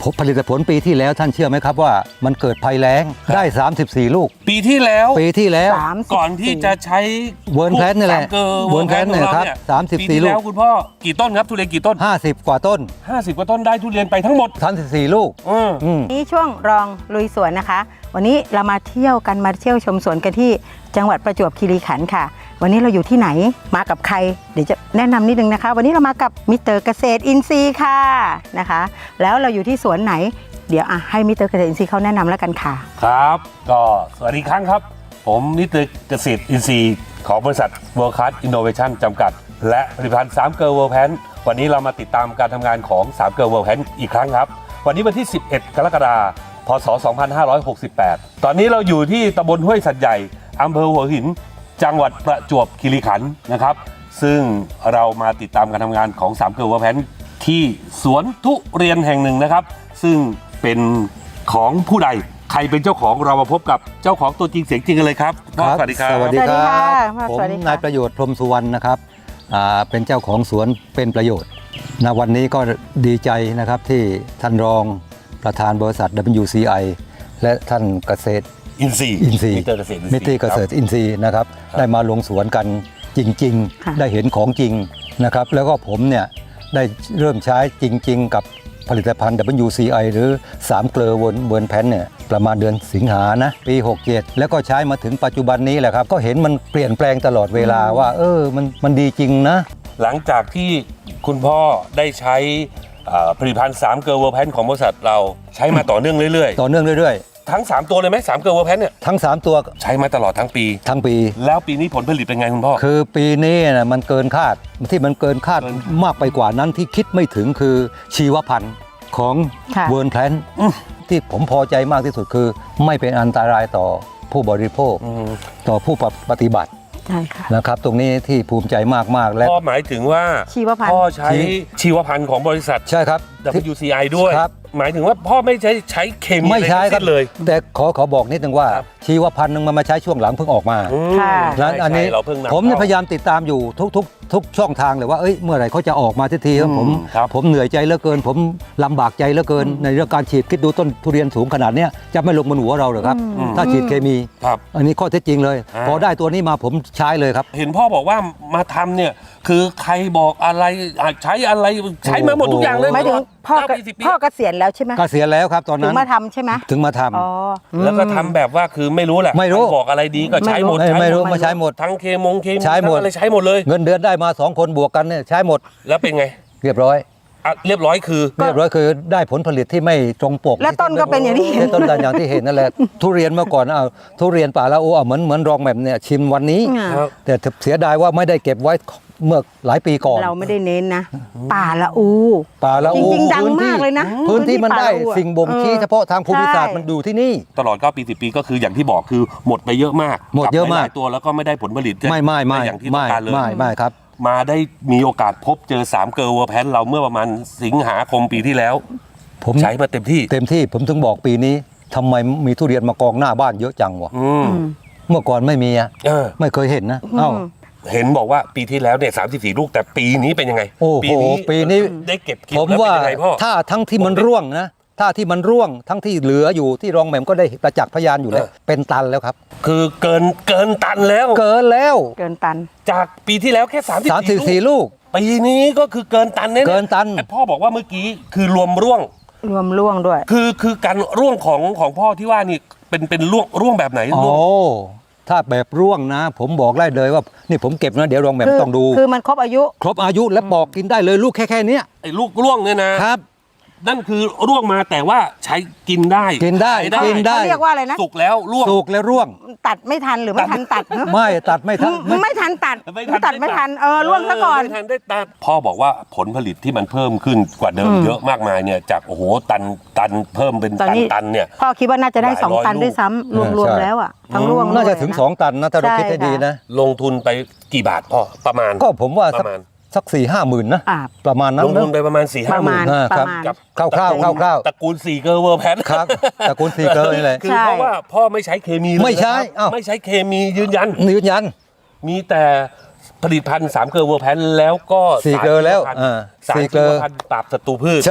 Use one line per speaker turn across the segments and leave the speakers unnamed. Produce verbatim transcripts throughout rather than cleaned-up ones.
ผลิตผลปีที่แล้วท่านเชื่อไหมครับว่ามันเกิดภัยแล้งได้สามสิบสี่ลูก
ปีที่แล้ว
ปีที่แล้ว
ก่อนที่จะใช้
เวิร์นแพลนนี่แหละ
เวิร์นแพลนเนี่ยครับ
สามสิบสี่ลูก
ปีที่แล้วคุณพ่อกี่ต้นครับทุเรียนกี่ต้น
ห้าสิบกว่าต้น
ห้าสิบกว่าต้นได้ทุเรียนไปทั้งหมด
สามสิบสี่ลูก
นี่ช่วงรองลุยสวนนะคะวันนี้เรามาเที่ยวกันมาเที่ยวชมสวนกันที่จังหวัดประจวบคีรีขันธ์ค่ะวันนี้เราอยู่ที่ไหนมากับใครเดี๋ยวจะแนะนำนิดนึงนะคะวันนี้เรามากับมิสเตอร์เกษตรอินทรีย์ค่ะนะคะแล้วเราอยู่ที่สวนไหนเดี๋ยวให้มิสเตอร์เกษตรอินทรีย์เขาแนะนำแล้วกันค่ะ
ครับก็สวัสดีครั้งครับผมมิสเตอร์เกษตรอินทรีย์ของบริษัท World Class Innovation จำกัดและผลิตภัณฑ์สามเกลอ World Pan วันนี้เรามาติดตามการทำงานของสามเกลอ World Pan อีกครั้งครับวันนี้วันที่สิบเอ็ดกรกฎาคมพศสองพันห้าร้อยหกสิบแปดตอนนี้เราอยู่ที่ตำบลห้วยสัตว์ใหญ่อำเภอหัวหินจังหวัดประจวบคีรีขันธ์นะครับซึ่งเรามาติดตามการทำงานของสามเกลอ World Pan ที่สวนทุเรียนแห่งหนึ่งนะครับซึ่งเป็นของผู้ใดใครเป็นเจ้าของเรามาพบกับเจ้าของตัวจริงเสียงจริงกันเลยครับสวัสดีครับ
สวัสดีครับผมนายประโยชน์พรหมสุวรรณนะครับเป็นเจ้าของสวนเป็นประโยชน์ณวันนี้ก็ดีใจนะครับที่ท่านรองประธานบริษัท ดับเบิลยู ซี ไอ และท่านเกษตร
อินทรีย์
อินทรีย์
มิสเตอร์เกษตร
มิสเตอร์เกษตรอินทรีย์นะครับได้มาลงสวนกันจริงๆได้เห็นของจริงนะครับแล้วก็ผมเนี่ยได้เริ่มใช้จริงๆกับผลิตภัณฑ์ ดับเบิลยู ซี ไอ หรือสามเกลอเวิร์นแพนเนี่ยประมาณเดือนสิงหานะปีหกเจ็ดแล้วก็ใช้มาถึงปัจจุบันนี้แหละครับก็เห็นมันเปลี่ยนแปลงตลอดเวลาว่าเออมันมันดีจริงนะ
หลังจากที่คุณพ่อได้ใช้ผลิตภัณฑ์สามเกลอ World Pan ของบริษัทเราใช้มาต่อเนื่องเรื่อย
ๆต่อเนื่องเรื่อย
ๆทั้งสามตัวเลยไหมสามเกลอ World Pan เนี่ย
ทั้งสามตัว
ใช้มาตลอดทั้งปี
ทั้งปี
แล้วปีนี้ผลผลิตเป็นไงคุณพ่อ
คือปีนี้นะมันเกินคาดที่มันเกินคาดมากไปกว่านั้นที่คิดไม่ถึงคือชีวพันธุ์ของเวิร์นแพลนที่ผมพอใจมากที่สุดคือไม่เป็นอันตรายต่อผู้บริโภคต่อผู้ปฏิบัตินะครับตรงนี้ที่ภูมิใจมากๆและ
พ่อหมายถึงว่า
ชีวพันธุ์
พ่อใช้ชีวพันธุ์ของบริษัท
ใช่ครับ
ดับเบิลยู ซี ไอ ด้วยหมายถึงว่าพ่อไม่ใช้ใช้เคมี
ไม่ใช้ครับ
เลย
แต่ขอขอบอกนิดนึงว่าชีวพันธุ์นึงมันมาใช้ช่วงหลังเพิ่งออกมา
แล้ว
อันนี้ผมพยายามติดตามอยู่ทุกทุกทุกช่องทางเลยว่าเอ้ยเมื่อไหร่เขาจะออกมาทีทีผมผมเหนื่อยใจเหลือเกินผมลำบากใจเหลือเกินในเรื่องการฉีดคิดดูต้นทุเรียนสูงขนาดนี้จะไม่ลงบนหัวเราหรือครับถ้าฉีดเคมีอันนี้ข้อเท็จจริงเลยพอได้ตัวนี้มาผมใช้เลยครับ
เห็นพ่อบอกว่ามาทำเนี่ยคือใครบอกอะไรใช้อะไรใช้มาหมดทุกอย่างเลย
หมายถึงพ่อพ่อเกษียณแล้วใช่ไหม
เกษียณแล้วครับตอนนั้น
ถึงมาทำใช่ไหม
ถึงมาท
ำแล้วก็ทำแบบว่าคือไม่รู้แหละ
ไม่รู้
บอกอะไรดีก็ใช้หมด
ไม่รู้มาใช้หมด
ทั้งเคมงเคมี
ใช้หมด
อะไรใช้หมดเลย
เงินเดือนได้มาสองคนบวกกันเนี่ยใช้หมด
แล้วเป็นไง
เรียบร้อย
เรียบร้อยคือ
เรียบร้อยคือได้ผลผลิตที่ไม่ตรงปก
และต้นก็เป็นอย่างที่เห็น
ต้นกันอย่างที่เห็นนั่นแหละทุเรียนเมื่อก่อนเอาทุเรียนป่าละอูเอาเหมือนเหมือนรองแบบเนี่ยชิมวันนี้แต่เสียดายว่าไม่ได้เก็บไว้เมื่อหลายปีก่อน
เราไม่ได้เน้นนะป่าละอู
ป่าละอู
จริงๆดังมากเลยนะ
พื้นที่มันได้สิ่งบ่งชี้เฉพาะทางภูมิศาสตร์มันดูที่นี่
ตลอดเก้าปีสิบปีก็คืออย่างที่บอกคือหมดไปเยอะมาก
หมดเยอะมาก
ตัวแล้วก็ไม่ได้ผลผลิต
ไม่ไม่ไม่
อย่างที่ต้องการเลย
ไม่ไม่ครับ
มาได้มีโอกาสพบเจอสามเกลอ World Pan เราเมื่อประมาณสิงหาคมปีที่แล้วผมใช้มาเต็มที่
เต็มที่ผมถึงบอกปีนี้ทำไมมีทุเรียนมากองหน้าบ้านเยอะจังวะเมื่อก่อนไม่มีอ่ะไม่เคยเห็นนะเอ้า
เห็นบอกว่าปีที่แล้วเนี่ยสามสิบสี่ลูกแต่ปีนี้เป็นยังไง
โอ้โหปีนี้
ได้เก็บกิน
ผมว่าถ้าทั้งที่มันร่วงนะถ้าที่มันร่วงทั้งที่เหลืออยู่ที่รองแหม่มก็ได้ประจักษ์พยานอยู่แล้วเป็นตันแล้วครับ
คือเกินเกินตันแล้ว
เกินแล้ว
เกินตัน
จากปีที่แล้วแค่สามสิบ
สี่ลูก
ปีนี้ก็คือเกินตันแน่
เกินตัน
พ่อบอกว่าเมื่อกี้คือรวมร่วง
รวมร่วงด้วย
คือคือการร่วงของของพ่อที่ว่านี่เป็นเป็นร่วงร่วงแบบไหน
โอ้ถ้าแบบร่วงนะผมบอกได้เลยว่านี่ผมเก็บนะเดี๋ยวรองแหม่มต้องดู
คือมันครบอายุ
ครบอายุและปอกกินได้เลยลูกแค่แค่นี้
ไอ้ลูกร่วงเนี่ยนะครับนั่นคือร่วงมาแต่ว่าใช้กินได้
กินได้กินได้
เรียกว่าอะไรนะ
สุกแล้วร่วง
สุกแล้วร่วง
ตัดไม่ทันหรือไม่ทันตัด
ไม่ตัดไม่ทัน
ไม่ทันตัดตัดไม่ทันเออร่วงซะก่อน
ไม่ทันได้ตัดพ่อบอกว่าผลผลิตที่มันเพิ่มขึ้นกว่าเดิมเยอะมากมายเนี่ยจากโอ้โหตันตันเพิ่มเป็นตันตันเนี่ย
พ่อคิดว่าน่าจะได้สองตันด้วยซ้ำรวมๆแล้วอ่ะทั้งร่วง
น่าจะถึงสองตันนะถ้าเราคิดให้ดีนะ
ลงทุนไปกี่บาทพ่อประมาณ
ก็ผมว่าประมาณสักสี่ห้าหมื่นนะประมาณนั้น
ลงทุนไปประมาณสี่ห้าหมื่น
ครับกับคร่าวคร่าวคร่าว
ตระกูลสี่เกลอ World Pan
ครับตระกูลสี่เกลอนี่แหละ
คือเพราะว่าพ่อไม่ใช้เคมี
ไม่ใช้
ไม่ใช้เคมียืนยัน
ยืนยัน
มีแต่ผลิตภัณฑ์สามเกลอ World Pan แล้วก็
สี่เกลอแล้ว
สารชีวพันธุ์ปราบศัตรูพืช
ใช่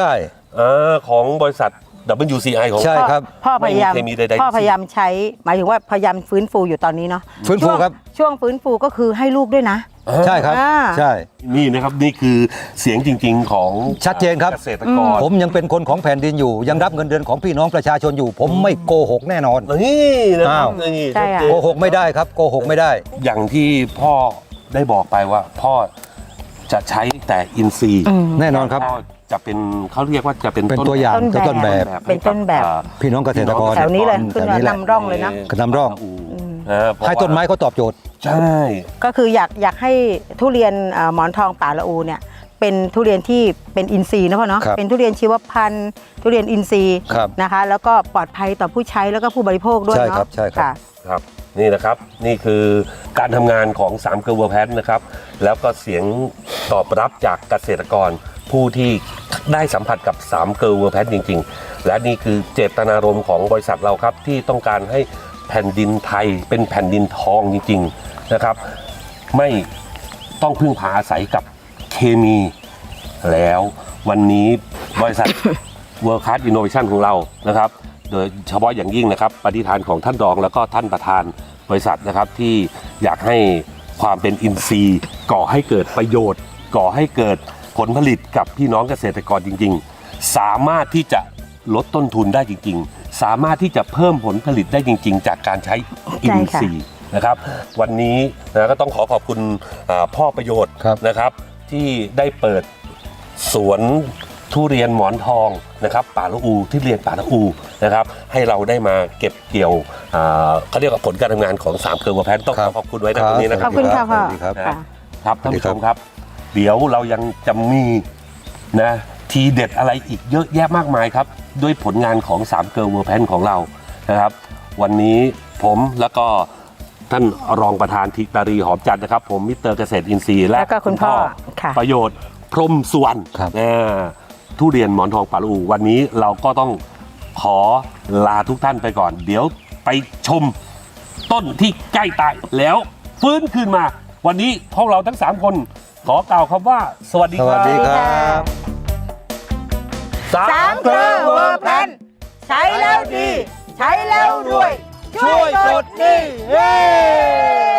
อ่าของบริษัท ดับเบิลยู ซี ไอ ของ
ใช่ครับ
พ่อพยายาม
ไม่มีเคมีใดๆ
พ่อพยายามใช้หมายถึงว่าพยายามฟื้นฟูอยู่ตอนนี้เนาะ
ฟื้นฟู
ช่วง
ครับ
ช่วงฟื้นฟูก็คือให้ลูกด้วยนะ
ใช่ครับ
อ่า
ใช่
นี่นะครับนี่คือเสียงจริงๆของ
ชัดเจนครับ
เกษตรกร
ผมยังเป็นคนของแผ่นดินอยู่ ยังรับเงินเดือนของพี่น้องประชาชนอยู่ ผมไม่โกหกแน่นอน
นี่นะครับ
อ้าว
นี่
ใช่อะ
ชัดเจน
โกหกไม่ได้ครับโกหกไม่ได้
อย่างที่พ่อได้บอกไปว่า พ่อจะใช้แต่อินทรีย์
อืม
แน่นอนครับ
พ่อจะเป็นเขาเรียกว่าจะเป็น
เป็นตัวอย่าง
ต้นแบบ
ต้นแบบ
เป็นต้นแบบ
ให้กับ
พี่น้องเกษตรกร
แถวนี้เลย
แถ
ขึ้น
ว
มา
นี้แหละ
นำร่องเลยนะ
กระนำร่อง
นะเพราะ
ให้ต้นไม้เขาตอบโจทย์
ใช่
ก็คืออยากอยากให้ทุเรียนเอ่อหมอนทองป่าละอูเนี่ยเป็นทุเรียนที่เป็นอินทรีย์นะพ่อเนาะ
ครับ
เป็นทุเรียนชีวพันธุ์ทุเรียนอินทรีย์
ครับ
นะคะ แล้วก็ปลอดภัยต่อผู้ใช้แล้วก็ผู้บริโภคด้วย
ใช่
เนาะ
ครับใช่ครับ
ค่ะ
ครับนี่นะครับนี่คือการทำงานของสามเกลอเวอร์แพนนะครับแล้วก็เสียงตอบรับจากเกษตรกร ผู้ที่ได้สัมผัสกับสามเกลอเวอร์แพนจริงๆ และนี่คือเจตนารมณ์ของบริษัทเราครับที่ต้องการให้แผ่นดินไทยเป็นแผ่นดินทองจริงๆนะครับไม่ต้องพึ่งพาอาศัยกับเคมีแล้ววันนี้บริษัท World Class Innovation ของเรานะครับ โดยเฉพาะอย่างยิ่งนะครับปฏิฐานของท่านรองแล้วก็ท่านประธานบริษัทนะครับที่อยากให้ความเป็นอินทรีย์ก่อให้เกิดประโยชน์ ก่อให้เกิดผลผลิตกับพี่น้องเกษตรกรจริงๆ สามารถที่จะลดต้นทุนได้จริงๆ สามารถที่จะเพิ่มผลผลิตได้จริงๆ จากการใช้อินทรีย์นะครับ วันนี้นะก็ต้องขอขอบคุณอ่าพ่อประโยชน์
ครับ
นะครับที่ได้เปิดสวนทุเรียนหมอนทองนะครับป่าละอูที่เรียนป่าละอูนะครับให้เราได้มาเก็บเกี่ยวอ่าเขาเรียกว่าผลการทำงานของสามเกลอเวอร์แพนต้องขอขอบคุณไว้นะตรงนี้นะค
ข
รั
อบ บคุณค่ะพ่อ
สวัสดีครับ
ค่ะ
ครับท่านผู้ชมครับ เดี๋ยวเรายังจะมีนะทีเด็ดอะไรอีกเยอะแยะมากมายครับ ด้วยผลงานของสามเกลอเวอร์แพนของเรานะครับ วันนี้ผมแล้วก็ท่านรองประธานธิตารีหอมจันทร์นะครับ ผมมิสเตอร์เกษตรอินทรีย์และ
แล้วก็คุณพ่อค่ะ
ประโยชน์พรหมสุวรรณ
ครับ
อ่าทุเรียนหมอนทองป่าละอูวันนี้เราก็ต้องขอลาทุกท่านไปก่อน เดี๋ยวไปชมต้นที่ใกล้ตายแล้วฟื้นคืนมา วันนี้พวกเราทั้งสามคนขอกล่าวคำว่า สวัสดี
ส
ค
วั
รั
ส
บ
ดีครับ
สามเกลอเวอร์แพนใช้แล้วดี ใช้แล้วรวย ช่วยกดดีเย้